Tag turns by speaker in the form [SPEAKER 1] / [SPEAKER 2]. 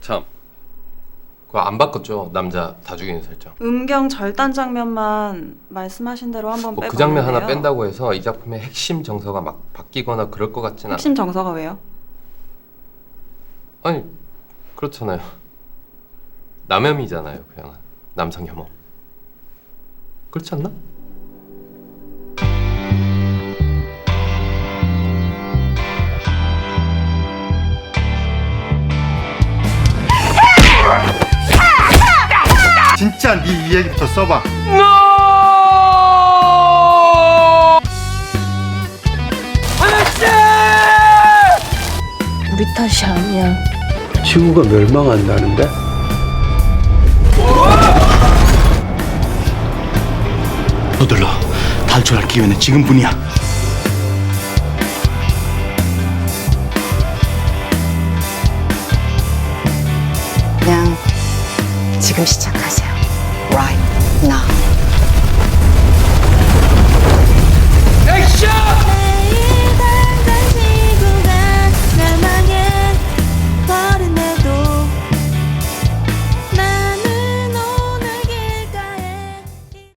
[SPEAKER 1] 참, 그거 안 바꿨죠? 남자 다 죽이는 설정.
[SPEAKER 2] 음경 절단 장면만 말씀하신 대로 한번
[SPEAKER 1] 뭐
[SPEAKER 2] 빼봤는데요.
[SPEAKER 1] 그 장면 하나 뺀다고 해서 이 작품의 핵심 정서가 막 바뀌거나 그럴 것 같진 않아.
[SPEAKER 2] 핵심 정서가 왜요?
[SPEAKER 1] 아니, 그렇잖아요. 남혐이잖아요, 그냥 남성 혐오. 그렇지 않나?
[SPEAKER 3] 진짜 네 이 얘기부터 써봐.
[SPEAKER 4] 우리 탓이 아니야.
[SPEAKER 5] 지구가 멸망한다는데?
[SPEAKER 3] 서둘러. 탈출할 기회는 지금뿐이야.
[SPEAKER 4] 그냥 지금 시작하세요. Right now.